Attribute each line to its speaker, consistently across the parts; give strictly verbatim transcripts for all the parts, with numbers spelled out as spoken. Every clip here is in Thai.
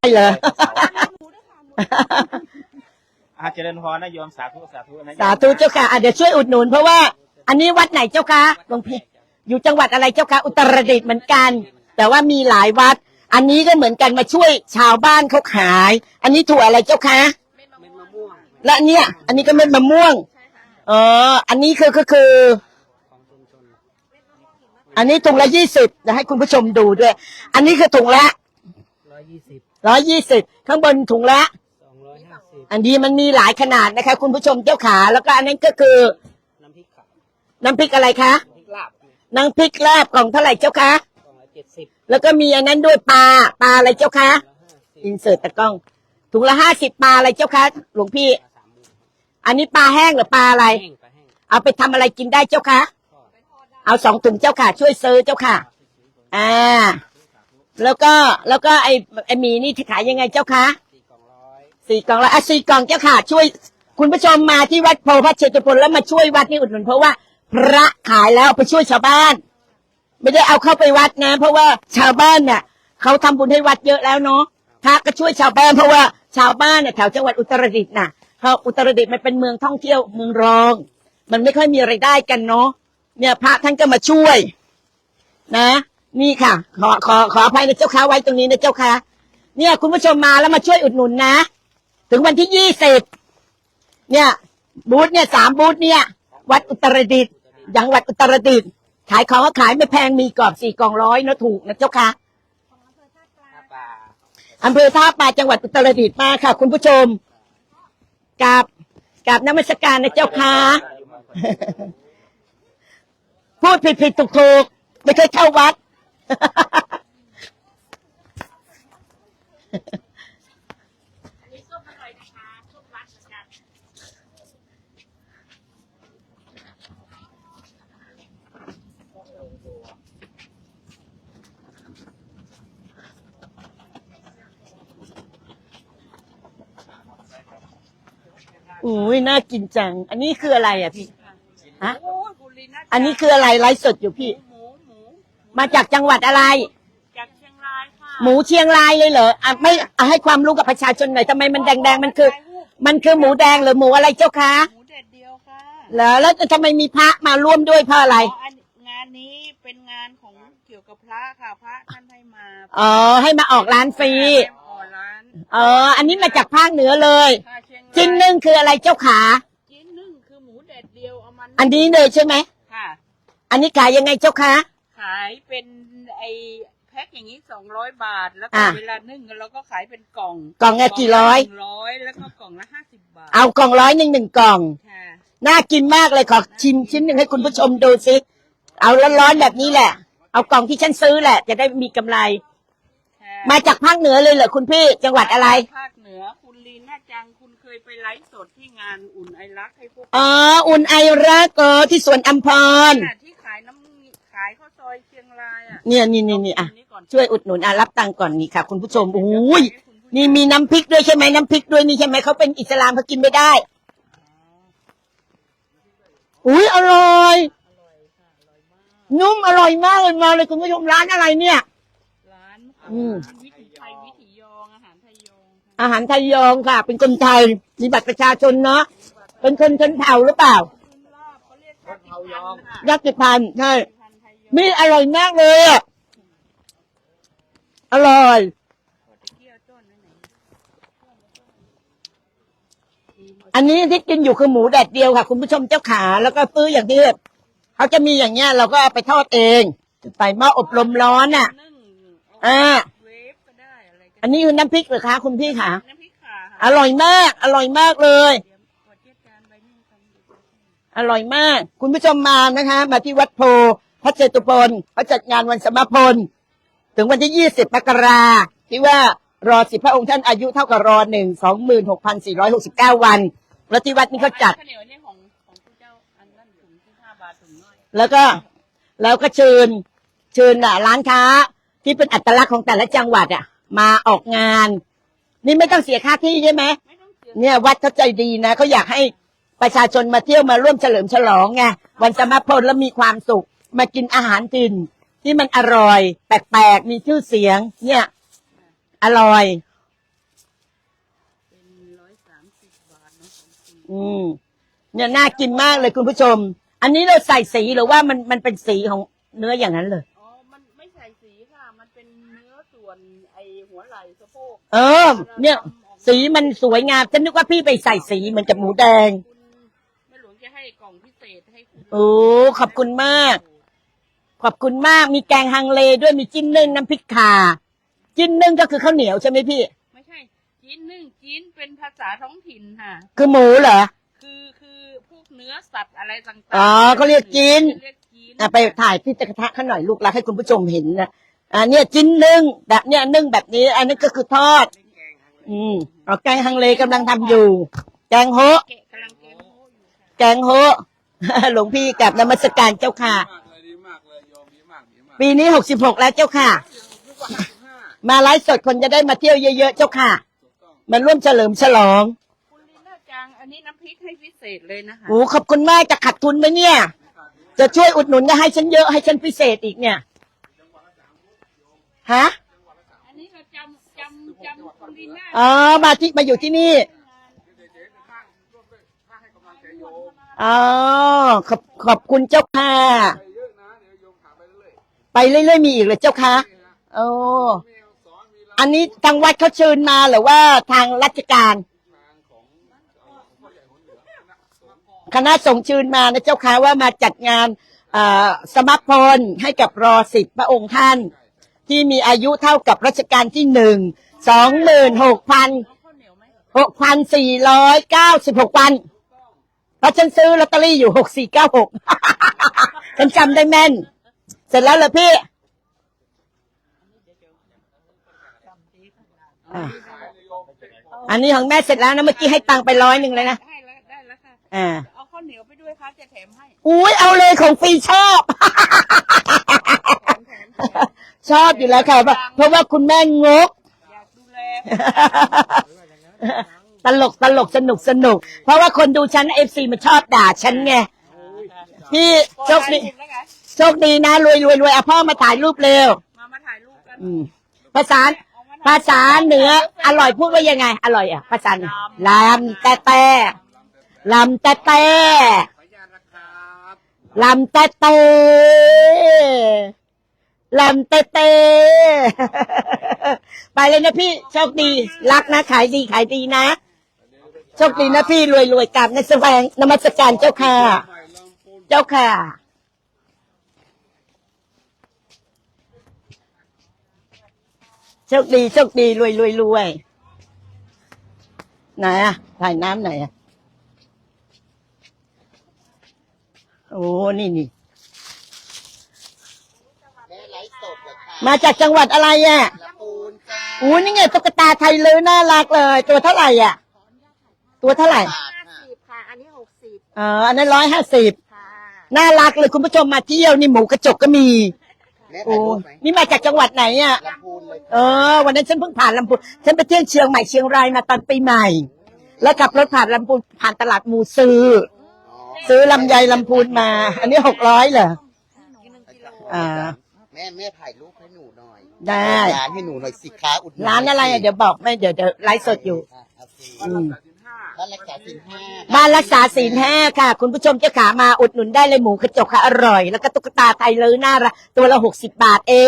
Speaker 1: เหรอ
Speaker 2: อาเจริญพรนะโยมสาธุสาธุนะ
Speaker 1: สาธุเจ้าค่ะอ่ะเดี๋ยวช่วยอุดหนุนเพราะว่าอันนี้วัดไหนเจ้าคะหลวงพี่อยู่จังหวัดอะไรเจ้าคะอุตรดิตถ์เหมือนกันแต่ว่ามีหลายวัดอันนี้ก็เหมือนกันมาช่วยชาวบ้านเขาขายอันนี้ถั่วอะไรเจ้าคะและเนี่ยอันนี้ก็เม็ดมะม่วงอ๋ออันนี้คือก็คืออันนี้ถุงละยี่สิบจะให้คุณผู้ชมดูด้วยอันนี้คือถุงละร้อยยี่สิบร้อยยี่สิบข้างบนถุงละสองร้อยห้าสิบอันนี้มันมีหลายขนาดนะคะคุณผู้ชมเจ้าขาแล้วก็อันนั้นก็คือน้ำพริกขาวน้ำพริกอะไรคะน้ำพริกลาบน้ำพริกลาบกล่องเท่าไหร่เจ้าคะกล่องละเจ็ดสิบแล้วก็มีอันนั้นด้วยปลาปลาอะไรเจ้าคะอินเสิร์ตตะกล้องถุงละห้าสิบปลาอะไรเจ้าคะหลวงพี่อันนี้ปลาแห้งหรือปลาอะไรเอาไปทำอะไรกินได้เจ้าคะเอาสองถุงเจ้าค่ะช่วยซื้อเจ้าค่ะอ่าแล้วก็แล้วก็ไอไอหมีนี่ขายยังไงเจ้าคะสี่กล่องร้อยสี่กล่องละอ่ะสี่กล่องเจ้าค่ะช่วยคุณผู้ชมมาที่วัดโพธิ์พระเชตุพนแล้วมาช่วยวัดนี่อุดหนุนเพราะว่าพระขายแล้วไปช่วยชาวบ้านไม่ได้เอาเข้าไปวัดนะเพราะว่าชาวบ้านเนี่ยเขาทำบุญให้วัดเยอะแล้วเนาะพระก็ช่วยชาวบ้านเพราะว่าชาวบ้านเนี่ยแถวจังหวัดอุตรดิตถ์น่ะเพราะอุตรดิตถ์มันเป็นเมืองท่องเที่ยวเมืองรองมันไม่ค่อยมีรายได้กันเนาะเนี่ยพระท่านก็มาช่วยนะนี่ค่ะขอขอขออภัยนะเจ้าค่ะไว้ตรงนี้นะเจ้าค่ะเนี่ยคุณผู้ชมมาแล้วมาช่วยอุดหนุนนะถึงวันที่ยี่สิบเนี่ยบูธเนี่ยสามบูธเนี่ยวัดอุตรดิตถ์จังหวัดอุตรดิตถ์ขายของก็ขายไม่แพงมีกรอบสี่กล่องร้อยนะถูกนะเจ้าค่ะอำเภอท่าปลาจังหวัดอุตรดิตถ์มาค่ะคุณผู้ชมกับกับนมัสการนะเจ้าค่ะพูดผิดผิดถูกถูกไม่เคยเข้าวัดอุ้ยน่ากินจังอันนี้คืออะไรอ่ะพี่ฮะอันนี้คืออะไรไลฟ์สดอยู่พี่มาจากจังหวัดอะไรจากเชียงรายค่ะหมูเชียงรายเลยเหรออ่ะไม่อ่ะให้ความรู้กับประชาชนหน่อยทำไมมันแดงๆมันคือมันคือหมูแดงหรือหมูอะไรเจ้าคะหมูเด็ดเดียวค่ะแล้วแล้วทำไมมีพระมาร่วมด้วยเพราะอะไรงานนี้เป็นงานของเกี่ยวกับพระค่ะพระท่านให้มาอ๋อให้มาออกร้านฟรีอ๋ออันนี้มาจากภาคเหนือเลยจิ้นนึ่งคืออะไรเจ้าขาจิ้นนึ่งคือหมูเด็ดเดียวเอามันอันนี้เลยใช่ไหมค่ะอันนี้ขายยังไงเจ้าคะขายเป็นไอแพ็คอย่างนี้สองร้อยบาทแล้วก็เวลานึ่งเราก็ขายเป็นกล่องกล่องละกี่ร้อยร้อยแล้วก็กล่องละห้าสิบบาทเอากล่องร้อยหนึ่งหนึ่งกล่องค่ะน่ากินมากเลยขอชิมชิ้นหนึ่งให้คุณผู้ชมดูสิเอาร้อนๆแบบนี้แหละเอากล่องที่ฉันซื้อแหละจะได้มีกำไรมาจากภาคเหนือเลยเหรอคุณพี่จังหวัดอะไรภาคเหนือคุณลีน่าจังคุณเคยไปไลฟ์สดที่งานอุ่นไอรักให้พวกอ๋ออุ่นไอรักเออที่สวนอัมพรที่ขายน้ำขายข้าวซอยเชียงรายอ่ะเนี่ยนี่นี่นี่อ่ะช่วยอุดหนุนอ่ะรับตังค์ก่อนนี่ค่ะคุณผู้ชมอุ้ยนี่มีน้ำพริกด้วยใช่ไหมน้ำพริกด้วยนี่ใช่ไหมเขาเป็นอิสลามเขากินไม่ได้อุ้ยอร่อยนุ่มอร่อยมากเลยมาเลยคุณผู้ชมร้านอะไรเนี่ยอืมวิถีไทยวิถียองอาหารไทยยองอาหารไทยยองค่ะเป็นคนไทยมีบัตรประชาชนเนาะเป็นคนชนเผ่าหรือเปล่าญาติพันธุ์ใช่มีอร่อยมากเลยอ่ะอร่อยอันนี้ที่กินอยู่คือหมูแดดเดียวค่ะคุณผู้ชมเจ้าขาแล้วก็ซื้ออย่างที่เขาจะมีอย่างเงี้ยเราก็เอาไปทอดเองใส่หม้ออบลมร้อนอ่ะอ่าอันนี้คือน้ำพริกเหรอคะคุณพี่คะน้ำพริกค่ะอร่อยมากอร่อยมากเลยอร่อยมากคุณผู้ชมมานะคะมาที่วัดโพพระเจตุพนเขาจัดงานวันสมภพถึงวันที่ยี่สิบมกราที่ว่ารอสิบพระองค์ท่านอายุเท่ากับรอหนึ่งสองหมื่นหกพันสี่ร้อยหกสิบเก้าวันแล้วที่วัดนี้เขาจัดแล้วก็แล้วก็เชิญเชิญอ่ะร้านค้าที่เป็นอัตลักษณ์ของแต่ละจังหวัดอ่ะมาออกงานนี่ไม่ต้องเสียค่าที่ใช่ไหมเนี่ยวัดเขาใจดีนะเขาอยากให้ประชาชนมาเที่ยวมาร่วมเฉลิมฉลองไงวันสมภพแล้วมีความสุขมากินอาหารถิ่นที่มันอร่อยแปลกๆมีชื่อเสียงเนี่ยอร่อยอืมเนี่ยน่ากินมากเลยคุณผู้ชม อันนี้เราใส่สีหรือว่ามันมันเป็นสีของเนื้ออย่างนั้นเลย
Speaker 3: อ๋อ มันไม่ใส่สีค่ะ มันเป็นเนื้อส่วนไอหัวไหล่สะโพก
Speaker 1: เออ เนี่ย สีมันสวยงามฉันนึกว่าพี่ไปใส่สีเหมือนกับหมูแดง
Speaker 3: คุณแม่หลวงจะให้กล่องพิเศษให้คุณ
Speaker 1: โอ้ขอบคุณมาก ขอบคุณมากมีแกงฮังเลด้วยมีจิ้นนึ่งน้ำพริกข่าจิ้นนึ่งก็คือข้าวเหนียวใช่ไหมพี่
Speaker 3: ไม่ใช่จีนนึ่งจีนเป็นภาษาท้องถิ่นค่ะ
Speaker 1: คือหมูเหรอ
Speaker 3: คือคือพวกเนื้อสัตว์อะไรต่างๆ
Speaker 1: อ๋อเขาเรียกจีน
Speaker 3: เรียกจีน
Speaker 1: อ่ะไปถ่ายที่กระทะข้าหน่อยลูกรักให้คุณผู้ชมเห็นนะอ่าเนี่ยจิ้นนึ่งแบบเนี้ยนึ่งแบบนี้ อันนี้ก็คือทอด อืมเอาแกงฮังเลกำลังทำอยู่ แกงโฮะ
Speaker 3: แกะกำลังเกมโฮอยู่ค่ะ
Speaker 1: แกงโฮะ หลวงพี่กับนมัสการเจ้าค่ะ
Speaker 4: มากเลยดีมากเลยโยมดีมากดีมาก
Speaker 1: ปีนี้หกสิบหกแล้วเจ้าค่ะ
Speaker 4: ทุกวันที่ห้า
Speaker 1: มาไลฟ์สดคนจะได้มาเที่ยวเยอะๆเจ้าค่ะ
Speaker 4: ถูกต้อง
Speaker 1: มาร่วมเฉลิมฉลอง
Speaker 3: คุณลีน่าจังอันนี้น้ำพริกให้พิเศษเลยนะคะ
Speaker 1: โอ้ขอบคุณมากจะขาดทุนไหมเนี่ย จะช่วยอุดหนุนก็ให้ฉันเยอะให้ฉันพิเศษอีกเนี่ย ฮะ
Speaker 3: อันนี้เราจำจำจำคุณลีน่า
Speaker 1: อ๋อ มาที่มาอยู่ที่นี่ อ๋อ ขอบขอบคุณเจ้าค่ะ
Speaker 4: ไปเยอะนะเดี๋ยวโยมถามไปเรื่อย
Speaker 1: ไปเรื่อยๆมีอีกเลยเจ้าค่ะโอ้
Speaker 4: ๆมีสอนมีร
Speaker 1: อันนี้ทางวัดเขาเชิญมาหรือว่าทางราชการ
Speaker 4: ทางของพ่อใหญ่หัวเหนือคณะสงฆ์
Speaker 1: คณะสงฆ์เชิญมานะเจ้าค่ะว่ามาจัดงานเอ่อสมัครพลให้กับรอสิบพระองค์ท่าน ที่มีอายุเท่ากับรัชกาลที่หนึ่งสองหมื่นหกพัน
Speaker 3: ข้าวเหนียวไหม
Speaker 1: หกพันสี่ร้อยเก้าสิบหกวันเพราะฉันซื้อลอตเตอรี่อยู่หกสี่เก้าหก ฉันจำได้แม่น เสร็จแล้วเหรอพี่อ่ะอันนี้ของแม่เสร็จแล้วนะเมื่อกี้ให้ตังค์ไปร้อยหนึ่งเลยนะ
Speaker 3: ให้แล้วได้แล้วค่ะ
Speaker 1: อ่า
Speaker 3: เอาข้าวเหนียวไปด้วยค่ะจะแถมให้
Speaker 1: อุ้ยเอาเลยของฟรีชอบ ชอบอยู่แล้วค่ะเพราะเพราะว่าคุณแม่งก
Speaker 3: อยากดูแล
Speaker 1: ตลกตลกสนุกสนุก เพราะว่าคนดูฉันเอฟซีมันชอบด่าฉันไงพี่โชคดี
Speaker 3: แล้วไง
Speaker 1: โชคดีนะรวยรวยรวยเอาพ่อมาถ่ายรูปเร็ว
Speaker 3: มามาถ่ายรูปกัน
Speaker 1: อืมภาษาภาษาเหนืออร่อยพูดว่ายังไง อร่อยอ่ะภาษาเหนือลำแต่แต่ลำแต่แต่
Speaker 4: ขออนุญาตนะครับ
Speaker 1: ลำแต่แต่ลำแต่แต่ ไปเลยนะพี่โชคดีรักนะขายดีขายดีนะโชคดีนะพี่รวยรวยกับในแสวงนมัสการเจ้าค่ะ
Speaker 4: ใหม่ลำพูน
Speaker 1: เจ้าค่ะ โชคดีโชคดีรวยรวยรวยไหนอะถ่ายน้ำไหนอะโอ้นี่นี่มาจากจังหวัดอะไรอะ
Speaker 4: ลำพูนจ้า
Speaker 1: อู้นี่ไงตุ๊กตาไทยเลยน่ารักเลย ตัวเท่าไหร่อะตัวเท่าไหร่
Speaker 4: บาท
Speaker 3: ห้าสิบค่ะ อันนี้หกสิบ
Speaker 1: เอออันนั้นร้อยห้าสิบ
Speaker 3: ค่ะ
Speaker 1: น่ารักเลยคุณผู้ชมมาเที่ยวนี่หมูกระจกก็มี
Speaker 4: แม่
Speaker 1: โอ้
Speaker 4: ถ่ายรูปไหม
Speaker 1: นี่มาจากจังหวัดไหนอะ
Speaker 4: ลำพูนเลย
Speaker 1: เออวันนั้นฉันเพิ่งผ่านลำพูนฉันไปเที่ยวเชียงใหม่เชียงรายมาตอนปีใหม่ แล้วขับรถผ่านลำพูนผ่านตลาดมูซื้อ
Speaker 4: อ๋อ
Speaker 1: ซื้อลำไยลำพูนมา อันนี้หกร้อยเหรออ่า
Speaker 4: แม่แม่ถ่ายรูปให้หนูหน่อย
Speaker 1: ได้
Speaker 4: ร้านให้หนูหน่อยสิค้าอุดหนุน
Speaker 1: ร้านอะไรอะเดี๋ยวบอกไม่เดี๋ยวเดี๋ยวไลฟ์สดอยู่
Speaker 4: อ่ะโอเค
Speaker 1: อืม
Speaker 4: บ้านรักษาสินห้า
Speaker 1: บ้านรักษาศีลห้าค่ะ คุณผู้ชมเจ้าขามาอุดหนุนได้เลยหมูกระจกค่ะอร่อย แล้วก็ตุ๊กตาไทยเลยน่ารักตัวละหกสิบบาทเอง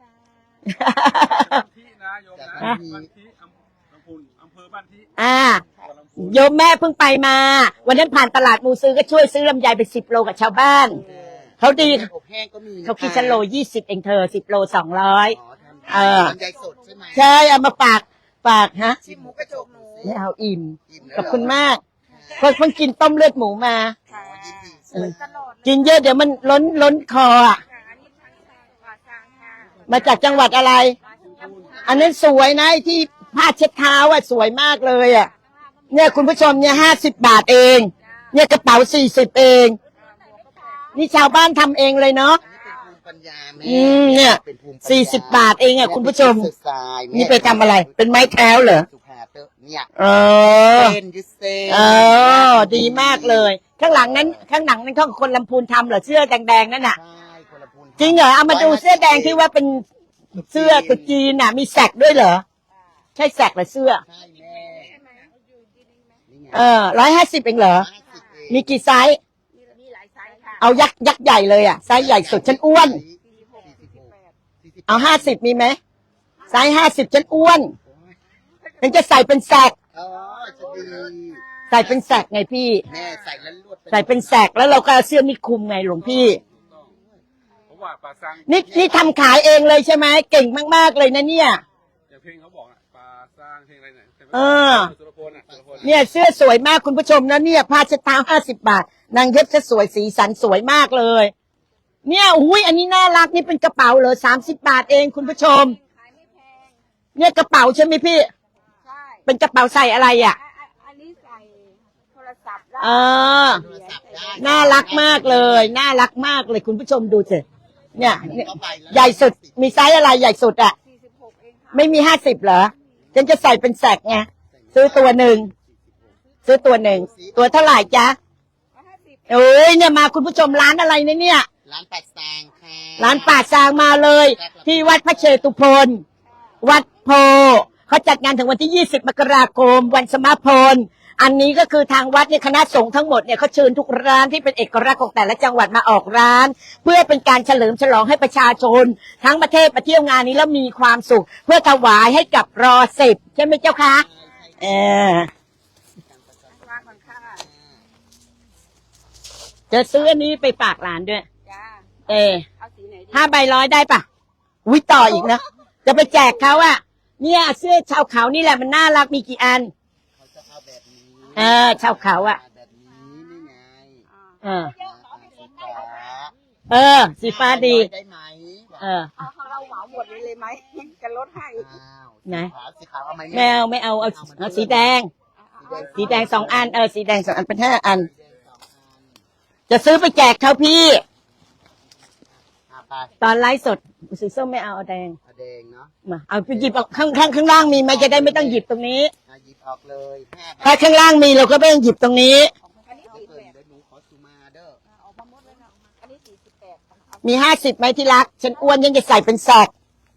Speaker 2: ที่นะโยมนะ
Speaker 1: ฮะ
Speaker 2: บ้านที่อำลำพูนอำเภอบ้านที่
Speaker 1: อ่า
Speaker 2: ตัวลำพูน
Speaker 1: โยมแม่เพิ่งไปมา วันนั้นผ่านตลาดมูซื้อก็ช่วยซื้อลำไยไปสิบโลกับชาวบ้าน เขาดี
Speaker 4: อบแห้งก็มีนะะ
Speaker 1: เขาคิดฉันโลยี่สิบเองเธอสิบโลสองร้อย
Speaker 4: อ๋อทำ
Speaker 1: เออ
Speaker 4: ลำไยสดใช่ไหม
Speaker 1: ใช่เอามาฝากฝากฮะ
Speaker 4: ชิมหมูกระจกหนู
Speaker 1: ไม่เอาอิ่ม
Speaker 4: อิ่มแล้ว
Speaker 1: ขอบคุณมากคนเพิ่งกินต้มเลือดหมูมา
Speaker 4: อ๋อยินดี
Speaker 1: เออกินเยอะเดี๋ยวมันล้นล้นคออ่ะ
Speaker 3: อันนี้ทั้งปลาจางค่ะ
Speaker 1: มาจากจังหวัดอะไร อันนั้นสวยนะไอ้ที่ผ้าเช็ดเท้าอ่ะสวยมากเลยอ่ะ เนี่ยคุณผู้ชมเนี่ยห้าสิบบาทเอง เนี่ยกระเป๋าสี่สิบเอง นี่ชาวบ้านทำเองเลยเนาะ
Speaker 4: อันนี้เป็นภูมิปัญญาแม่
Speaker 1: อืมเนี่ย
Speaker 4: ป็ภูมิปัญญา
Speaker 1: สี่สิบบาทเองอ่ะคุณผู้ชม
Speaker 4: แเป็น exercise แม่
Speaker 1: นี่ไปทำอะไร เป็นไม้เท้าเหรอ
Speaker 4: สุภาเตอร์เนี่ย
Speaker 1: เออ
Speaker 4: เส้นยืดเส้น
Speaker 1: เออ ดีมากเลย ข้างหลังนั้น ข้างหลังนั้นเขาคนลำพูนทำเหรอเสื้อแดงๆนั่นน่ะ
Speaker 4: ใช่คนละพูน
Speaker 1: จริงเหรอเอามาดูเสื้อแดงที่ว่าเป็นเสื้อกุจีนน่ะ มีแสกด้วยเหรอ ใช่แสกหรือเสื้อ
Speaker 4: ใช่แม่นี่ไง
Speaker 1: เออร้อยห้าสิบเองเหรอ
Speaker 4: ห้าสิบเอง
Speaker 1: มีกี่ไซส์
Speaker 3: มีมีหลายไซส์ค่ะ
Speaker 1: เอายักษ์ยักษ์ใหญ่เลยอ่ะไซส์ใหญ่สุดฉันอ้วน
Speaker 3: สี่สิบหกสี่สิบแปด
Speaker 1: เอาห้าสิบมีไหมไซส์ห้าสิบฉันอ้วนฉันจะใส่เป็นแสก
Speaker 4: อ๋อจะดี
Speaker 1: ใส่เป็นแสกไงพี่
Speaker 4: แม่ใส่แล้วลวด
Speaker 1: ใส่เป็นแสกแล้วเราก็เอาเสื้อนี่คลุมไงหลวงพี่
Speaker 2: เพราะว่าปลาซัง
Speaker 1: นี่นี่ทำขายเองเลยใช่ไหมเก่งมากๆเลยนะเนี่ย
Speaker 2: อย่างเพลงเขาบอกอ่ะปลาซังเพลงอะไรเนี่ย
Speaker 1: เออ
Speaker 2: สุรพลอ่ะสุรพล
Speaker 1: เนี่ยเสื้อสวยมากคุณผู้ชมนะเนี่ยผ้าเช็ดเท้าห้าสิบบาทนางเย็บจะสวยสีสันสวยมากเลย เนี่ยอุ้ยอันนี้น่ารักนี่เป็นกระเป๋าเหรอสามสิบบาทเองคุณผู้ชม
Speaker 3: ขายไม่แพง
Speaker 1: เนี่ยกระเป๋าใช่ไหมพี่
Speaker 3: ใช่
Speaker 1: เป็นกระเป๋าใส่อะไรอ่ะ
Speaker 3: อ่ะอ่ะอันนี้ใส่โทรศัพท์ได้
Speaker 1: เออ
Speaker 4: โทรศัพท์ได้
Speaker 1: น่ารักมากเลย น่ารักมากเลยคุณผู้ชมดูสิเนี่ยเนี่ย
Speaker 4: เข้าไปแล้ว
Speaker 1: ใหญ่สุดมีไซส์อะไรใหญ่สุดอ่ะ
Speaker 3: สี่สิบหกเองค่ะ
Speaker 1: ไม่มีห้าสิบเหรอฉันจะใส่เป็นแสกไงซื้อตัวหนึ่งซื้อตัวหนึ่งตัวเท่าไหร่จ๊ะ
Speaker 3: ร้อยห้าสิบ
Speaker 1: โอ้ยเนี่ยมาคุณผู้ชมร้านอะไรเนี่ยเนี่ย
Speaker 4: ร้านปัดซางค่ะ
Speaker 1: ร้านป่าซางมาเลย ที่วัดพระเชตุพนวัดโพเขาจัดงานถึงวันที่ยี่สิบมกราคมวันสมาพลอันนี้ก็คือทางวัดเนี่ยคณะสงฆ์ทั้งหมดเนี่ยเขาเชิญทุกร้านที่เป็นเอกลักษณ์ของแต่ละจังหวัดมาออกร้าน เพื่อเป็นการเฉลิมฉลองให้ประชาชน ทั้งประเทศมาเที่ยวงานนี้แล้วมีความสุข เพื่อถวายให้กับรอสิบใช่ไหมเจ้าคะเออ
Speaker 3: วางก่อนค่ะ
Speaker 1: จะซื้ออันนี้ไปฝากหลานด้วย
Speaker 3: จ้า
Speaker 1: เออ
Speaker 3: เอาสีไหนดี
Speaker 1: ห้าใบร้อยได้ปะวิต่ออีกนะ จะไปแจกเขาอะเนี่ยเสื้อชาวเขานี่แหละมันน่ารักมีกี่อัน
Speaker 4: เขาจะเอาแบบนี้
Speaker 1: เออชาวเขาอะ
Speaker 4: แบบนี้นี่ไง
Speaker 1: เออ
Speaker 4: สีฟ้า
Speaker 1: เออ สีฟ้าดี
Speaker 4: ได้ไหม
Speaker 1: เออ
Speaker 3: เอาของเราเหมาหมดเลยเลยไหมจะลดให้
Speaker 4: อ้าว
Speaker 1: ไหน
Speaker 4: สีขาวสีขาวเอาไหม
Speaker 1: ไม่เอาไม่เอาเอาเอาสีแดง สีแดงสองอันเออสีแดงสองอันเป็นห้าอัน
Speaker 4: สีแดงสองอัน
Speaker 1: จะซื้อไปแจกเขาพี่
Speaker 4: อ่ะไป
Speaker 1: ตอนไลฟ์สดสีส้มไม่เอาเอาแดง
Speaker 4: เอาแดงเนาะ
Speaker 1: มาเอาไปหยิบเอาข้างข้างข้างล่างมีไหมจะได้ไม่ต้องหยิบตรงนี้
Speaker 4: อ่ะหยิบออกเลยห้า
Speaker 1: ถ้าข้างล่างมีเราก็ไม่ต้องหยิบตรงนี้
Speaker 3: อันนี้
Speaker 4: เอา
Speaker 3: สี่
Speaker 4: เกิ
Speaker 3: แป
Speaker 4: น
Speaker 3: ด
Speaker 4: เดี๋ยวหนูขอสุมาเด้อ
Speaker 3: ออกมาหมดเลยนะอันนี้สี่สิบแปดเอา
Speaker 1: มีห้าสิบไหมที่รัก ฉันอ้วนยังจะใส่เป็นแสก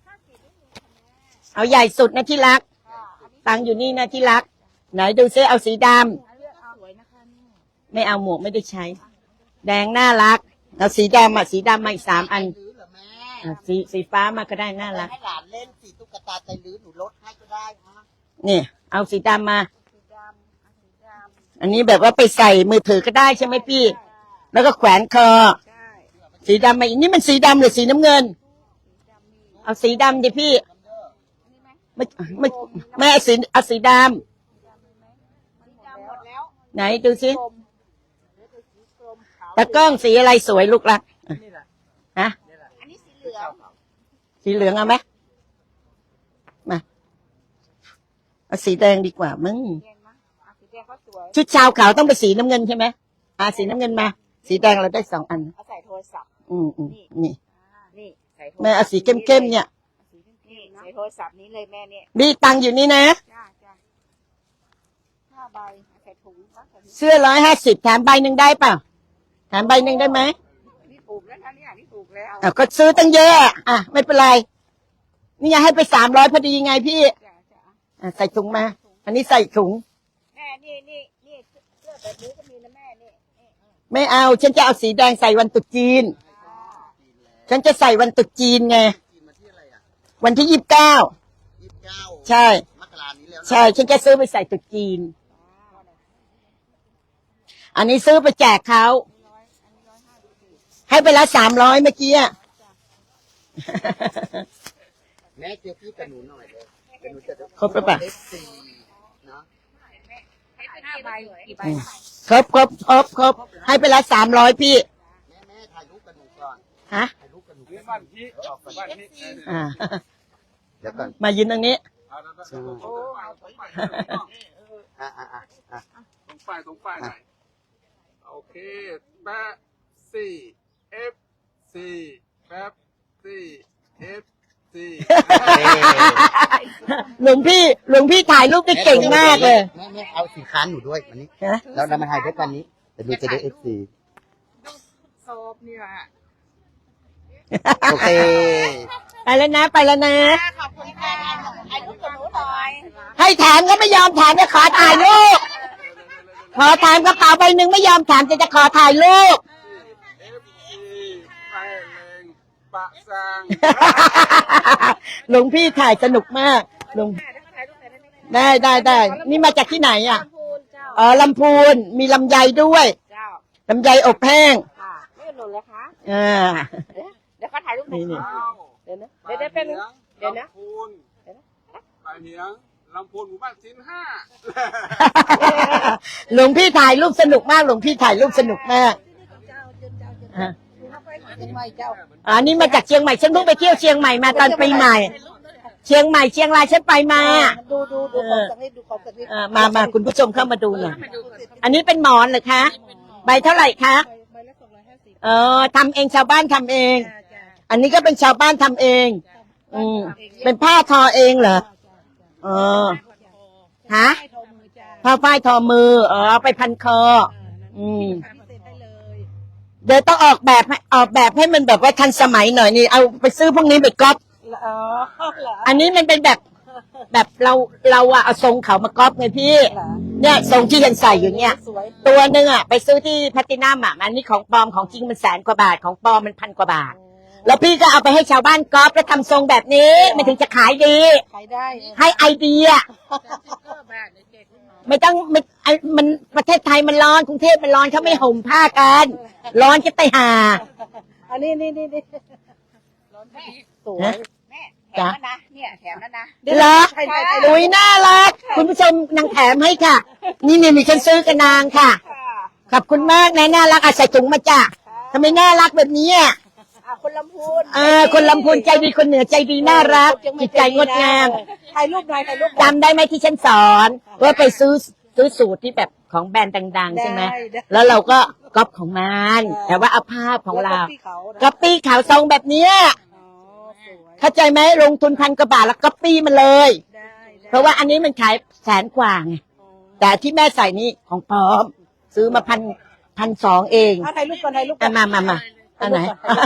Speaker 1: เอาใหญ่สุดนะที่รัก
Speaker 3: ค่ะอันนี้
Speaker 1: ตังค์อยู่นี่นะที่รัก ไหนดูซิเอาสีดำ
Speaker 3: อันเลือกเอาสวยนะคะนี่
Speaker 1: ไม่เอาหมวกไม่ได้ใช้ แดงน่ารักเอาสีดำอ่ะสีดำมาอีกสามอัน
Speaker 4: ลื้อเหรอแม่
Speaker 1: อ่ะสีสีฟ้ามาก็ได้น่ารัก
Speaker 4: ให้หลานเล่นสีตุ๊กตาใจลื้อหนูลดให้ก็ได้ฮะ
Speaker 1: นี่ เอาสีดำมา
Speaker 3: สีดำเอาสีดำ
Speaker 1: อันนี้แบบว่าไปใส่มือถือก็ได้ใช่ไหมพี่ แล้วก็แขวนคอ
Speaker 3: ใช่
Speaker 1: สีดำมาอีกนี่มันสีดำหรือสีน้ำเงิน
Speaker 3: สีดำมี
Speaker 1: เอาสีดำดิพี่
Speaker 3: อันนี้ไหม
Speaker 1: ไม่ไม่ไม่เอาสีเอาสีด
Speaker 3: สีดำมีไหมสีดำหมดแล้ว
Speaker 1: ำไหนดูสิ
Speaker 3: กลมเหลือแต่สีกลมขาว
Speaker 1: ตะกล้องสีอะไรสวยลูกรักฮะ
Speaker 3: อันนี้สีเหลือง
Speaker 1: สีเหลืองเอาไหมมาเอาสีแดงดีกว่ามึง
Speaker 3: เห็นไหมอ่ะสีแดงก็สวย
Speaker 1: ชุดชาวขาวต้องเป็นสีน้ำเงินใช่ไหมอ่าสีน้ำเงินมา สีแดงเราได้สองอัน
Speaker 3: เอาใส่โทรศัพท์
Speaker 1: อืมอืมนี่
Speaker 3: อ่านี่ใส่โทร
Speaker 1: แม่เอาสีเข้มๆเนี่ย
Speaker 3: สีเข้มๆนะใส่โทรศัพท์นี้เลยแม่เนี่ย
Speaker 1: มีตังค์อยู่นี่นะ
Speaker 3: จ้าจ้าห้าใบใส่ถุงวะใส่ถุง
Speaker 1: เสื้อร้อยห้าสิบแถมใบหนึ่งได้เปล่าแถมใบหนึ่งได้ไหม
Speaker 3: นี่ถูกแล้วนะเนี่ยนี่ถูกแล้ว
Speaker 1: อ่ะก็ซื้อตั้งเยอะอ่ะอ่ะไม่เป็นไร นี่ไงให้ไปสามร้อยพอดีไงพี่
Speaker 3: จ้าจ้า
Speaker 1: อ่ะใส่ถุงมา อันนี้ใส่ถุง
Speaker 3: แม่นี่นี่นี่เสื้อแบบนี้ก็มีนะแม่นี่นี่
Speaker 1: ไม่เอา ฉันจะเอาสีแดงใส่วันตรุษจีน
Speaker 3: อ่า
Speaker 1: ฉันจะใส่วันตรุษจีนไง
Speaker 4: กินมาที่อะไรอ่ะ
Speaker 1: วันที่ยี่สิบเก้า
Speaker 4: ยี่สิบเก้า
Speaker 1: ใช่
Speaker 4: มกรานี้แล้วนะ
Speaker 1: ใช่ ฉันจะซื้อไปใส่ตรุษจีน อันนี้ซื้อไปแจกเขา
Speaker 3: ร้อยอันนี้ร้อยห้าสิบสี่
Speaker 1: ให้ไปละสามร้อยเมื่อกี้อะ
Speaker 4: แม่เจอพี่กับหนูหน่อยเลยเดี๋ยวหนูจะ
Speaker 1: ครบหรือเปล่า
Speaker 4: เอฟซีเนาะ
Speaker 3: ห้าใบกี่ใบ
Speaker 1: ครบครบครบครบให้ไปละสามร้อยพี่
Speaker 4: แม่แม่ถ่ายรูปกับหนูก่อน
Speaker 1: ฮะ
Speaker 4: ถ่ายรูปกับหนู
Speaker 2: นี่บ้านพี่บ้านพี่
Speaker 1: อ่า
Speaker 4: เดี๋ยวก่อน
Speaker 1: มายืนตรงนี้
Speaker 2: เอาแล้วก็ตรงป้ายตรงป้าย
Speaker 4: อ่ะอ่ะอ่ะอ่ะ
Speaker 2: ตรงป้ายตรงป้ายหน่อยโอเคแป๊บสี่เอฟสี่แป๊บสี่เอฟสี่
Speaker 1: หลวงพี่หลวงพี่ถ่ายรูปได้เก่งมากเลย
Speaker 4: แม่แม่เอาสินค้าหนูด้วยวันนี้
Speaker 1: ฮะ
Speaker 4: แล้วเรามาถ่ายด้วยกันนี้เดี๋ยวหนูจะได้เอฟซี
Speaker 3: โซบนี่แหละ
Speaker 4: โอเค
Speaker 1: ไปแล้วนะไปแล้วนะ
Speaker 3: ขอบคุณค่ะถ่ายรูปกับหนูหน่อย
Speaker 1: ให้แถมก็ไม่ยอมแถมจะขอถ่ายรูป
Speaker 2: เ
Speaker 1: ขอถามกระเป๋าใบหนึ่งไม่ยอมถามจะจะขอถ่ายรูป
Speaker 2: เอฟซีไปเลงปะซาง
Speaker 1: หลวงพี่ถ่ายสนุกมากหลวงได้ได้ได้นี่มาจากที่ไหนอ่ะ
Speaker 3: ลำพูนเจ้า
Speaker 1: อ๋อลำพูนมีลำไยด้วย
Speaker 3: เจ้า
Speaker 1: ลำไยอบแห้ง
Speaker 3: ค่ะไม่หนุนเลยคะ
Speaker 1: อ่า
Speaker 3: เดี๋ยวเขาถ่ายรูปให้
Speaker 1: นี่
Speaker 2: อ้าว
Speaker 3: เดี๋ยวนะเดี๋ยวเดี๋ยวเป็นงเดี๋ยวนะ
Speaker 2: ลำพูนไปเหียงลำพูนหมู่บ้านสินห้า
Speaker 1: หลวงพี่ถ่ายรูปสนุกมากหลวงพี่ถ่ายรูปสนุกมากอ่ะ
Speaker 3: ไม่เจ้า
Speaker 1: อันนี้มาจากเชียงใหม่ฉันเพิ่งไปเที่ยวเชียงใหม่มาตอนปีใหม่ เชียงใหม่เชียงรายฉันไปมา
Speaker 3: ดูดูดูของสักนิดดูของสักนิด
Speaker 1: อ่ามามาคุณผู้ชมเข้ามาดูหน่อยอันนี้เป็นหมอนเหรอคะใบเท่าไหร่คะ
Speaker 3: ใบละสองร้อยห้าสิบ
Speaker 1: เออทำเองชาวบ้านทำเอง
Speaker 3: จ้าจ้า
Speaker 1: อันนี้ก็เป็นชาวบ้านทำเอง อืมเป็นผ้าทอเองเหรอเออฮะ
Speaker 3: ให้โทรมือจ้า
Speaker 1: ผ้าฝ้ายทอมือเออเอาไปพันคอ อืม
Speaker 3: พิเศษให้เลย
Speaker 1: เดี๋ยวต้องออกแบบให้ออกแบบให้มันแบบว่าทันสมัยหน่อยนี่เอาไปซื้อพวกนี้ไปก๊อป
Speaker 3: อ๋อเหรอ
Speaker 1: อันนี้มันเป็นแบบแบบเราเราอะเอาทรงเขามาก๊อปไงพี่
Speaker 3: เหรอ
Speaker 1: เนี่ยทรงที่ยันใส่อยู่เนี่ย
Speaker 3: สวย
Speaker 1: ตัวหนึ่งอะไปซื้อที่แพลตตินัมอะอันนี้ของปลอมของจริงมันแสนกว่าบาทของปลอมมันพันกว่าบาท แล้วพี่ก็เอาไปให้ชาวบ้านก๊อปแล้วทำทรงแบบนี้มันถึงจะขายดี
Speaker 3: ขายได้
Speaker 1: ให้ไอเดีย ไม่ต้องไม่ไอมันประเทศไทยมันร้อนกรุงเทพมันร้อนเขาไม่ห่มผ้ากัน ร้อนจะตายห่า
Speaker 3: อันนี้นี่นี่นี่สวย
Speaker 1: นะ
Speaker 3: แม่แถ
Speaker 1: จ๊ะ
Speaker 3: มแล้วนะเนี่ยแถมแล้วนะ
Speaker 1: เหรอ
Speaker 3: ใช่ใช่ใช่
Speaker 1: อุ้ยน่ารักคุณผู้ชมนางแถมให้ค่ะ นี่นี่มีฉันซื้อกับนางค่ะ
Speaker 3: ค่ะ
Speaker 1: ขอบคุณมากนะน่ารักอาใส่ถุงมาจ้ะทำไมน่ารักแบบนี้อ่ะ
Speaker 3: อ่ะคนลำพูน
Speaker 1: เออคนลำพูนใจดีคนเหนือใจดีน่ารักจิตใจงดงาม
Speaker 3: ถ่ายรูปหน่อยถ่ายรูปหน่อย
Speaker 1: จำได้ไหมที่ฉันสอนว่าไปซื้อซื้อสูตรที่แบบของแบรนด์ดังๆใช่ไหม
Speaker 3: ได้ได้
Speaker 1: แล้วเราก็ก๊อปของมันแต่ว่าเอาภาพของเรา
Speaker 3: แล้วก็ที่เขานะ
Speaker 1: ก๊อปปี้ขาวทรงแบบเนี้ย
Speaker 3: อ๋อสวย
Speaker 1: เข้าใจไหมลงทุนพันกว่าบาทแล้วก๊อปปี้มันเลย
Speaker 3: ได้ได้
Speaker 1: เพราะว่าอันนี้มันขายแสนกว่าไง
Speaker 3: อ๋อ
Speaker 1: แต่ที่แม่ใส่นี่ของปลอม ซื้อมาพันพันสองเอง
Speaker 3: อ่ะถ่ายรูปก่อนถ่ายรูปก่
Speaker 1: อ่ะ
Speaker 3: อน
Speaker 1: มามามาอันไหน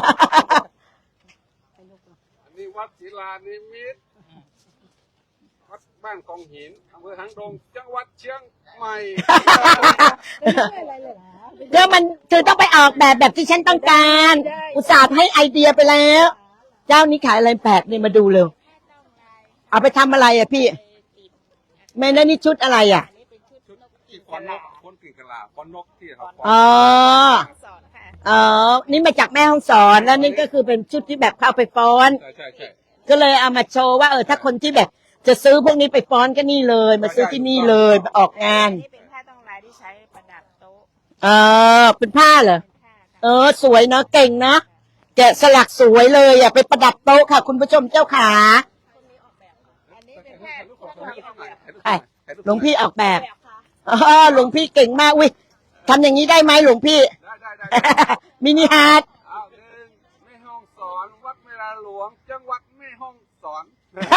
Speaker 2: อันนี้วัดศิลานิมิตรวัดบ้านกองหินอำเภอหางดงจังหวัดเชียงใหม่
Speaker 3: อะไรเลยเหรอ
Speaker 1: ก็มันคือต้องไปออกแบบแบบที่ฉันต้องการ
Speaker 3: ได้
Speaker 1: อุตส่าห์ให้ไอเดียไปแล้ว เจ้านี้ขายอะไรแปลกนี่มาดูเร็วเอาไปทำอะไรอ่ะพี่แม่นั่นนี่ชุดอะไรอ่ะ
Speaker 2: ชุดที่คอนนกคนกิ่งกะลาคอนนกที่เขา
Speaker 1: อ๋อ
Speaker 3: สอนค่ะ
Speaker 1: อ๋อนี่มาจากแม่ห้องสอนแล้วนี่ก็คือเป็นชุดที่แบบเข้าไปฟ้อน
Speaker 2: ใช่ใช่ใช่
Speaker 1: ก็เลยเอามาโชว์ว่าเออถ้าคนที่แบบจะซื้อพวกนี้ไปฟ้อนก็นี่เลย มาซื้อที่นี่เลยมาออกงาน
Speaker 3: อันนี้เป็นผ้าต้องลายที่ใช้ประดับโต๊ะ
Speaker 1: เออเป็นผ้าเหรอ
Speaker 3: ผ้าค่ะ
Speaker 1: เออสวยเนาะเก่งนะแกะสลักสวยเลยอ่ะไปประดับโต๊ะค่ะ คุณผู้ชมเจ้าขา
Speaker 3: อันนี้เป็นแค่
Speaker 1: ไอ้หลวงพี่ออกแบบ
Speaker 3: แบบค่ะ
Speaker 1: อ๋อหลวงพี่เก่งมากอุ้ยทำอย่างนี้ได้ไหมหลวงพี่
Speaker 2: ได้ได้ได้ได้
Speaker 1: มินิฮาร์ด
Speaker 2: เอาหนึ่งแม่ห้องสอนวัดเวลาหลวง จังหวัดแม่ห้องสอน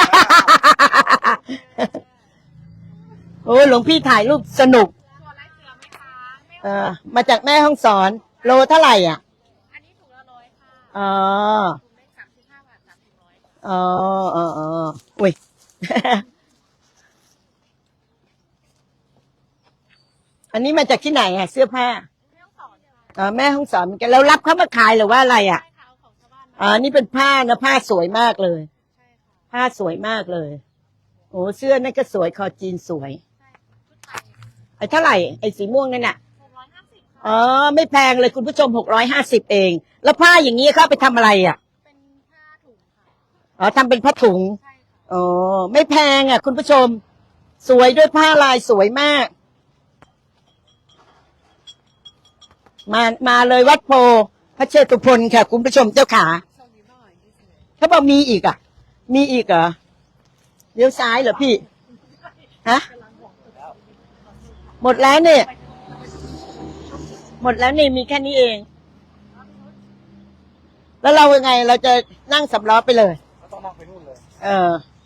Speaker 1: โอ้หลวงพี่ถ่ายรูปสนุก
Speaker 3: ตัวลายเสือไหมคะแม่
Speaker 1: เออมาจากแม่ห้องสอน โลเท่าไหร่อ่ะ
Speaker 3: อันนี้ถุงละร้อยค่ะ
Speaker 1: อ๋อ
Speaker 3: ถุงเล็กสามสิบห้าบาทสามสิบร้อย
Speaker 1: อ๋ออ๋ออ๋ออุ้ย อันนี้มาจากที่ไหนอ่ะ เสื้อผ้า
Speaker 3: แม่ต้องสอนค่ะ
Speaker 1: อ๋อแม่ห้องสอนเหมือนกันแล้วรับเขามาขายหรือว่าอะไรอ่ะ
Speaker 3: ใช่ค่ะเอาของชาวบ้านมา
Speaker 1: อ๋อนี่เป็นผ้านะผ้าสวยมากเลย
Speaker 3: ใช่ค่ะ
Speaker 1: ผ้าสวยมากเลย โอ้เสื้อนั่นก็สวยคอจีนสวย
Speaker 3: ใช่ชุดไทย
Speaker 1: ไอ้เท่าไหร่ไอ้สีม่วงนั่นน่ะ
Speaker 3: หกร้อยห้าสิบค่ะ
Speaker 1: อ๋อไม่แพงเลยคุณผู้ชมหกร้อยห้าสิบเอง แล้วผ้าอย่างนี้เขาเอาไปทำอะไรอ่ะ
Speaker 3: เป็นผ้าถุงค่ะ
Speaker 1: อ๋อทำเป็นผ้าถุง
Speaker 3: ใช่ค่ะ
Speaker 1: อ๋อไม่แพงอ่ะ คุณผู้ชม สวยด้วยผ้าลายสวยมาก มามาเลยวัดโพพระเชตุพนค่ะ คุณผู้ชมเจ้าขาเขาบอกมีอีกอ่ะ มีอีกเหรอเลี้ยวซ้ายเหรอพี่ฮะหมดแล้วเนี่ย หมดแล้วนี่มีแค่นี้เอง แล้วเรายังไงเราจะนั่งสำล้อไปเลย
Speaker 4: ต้องนั่งไปนู่นเลย
Speaker 1: เออ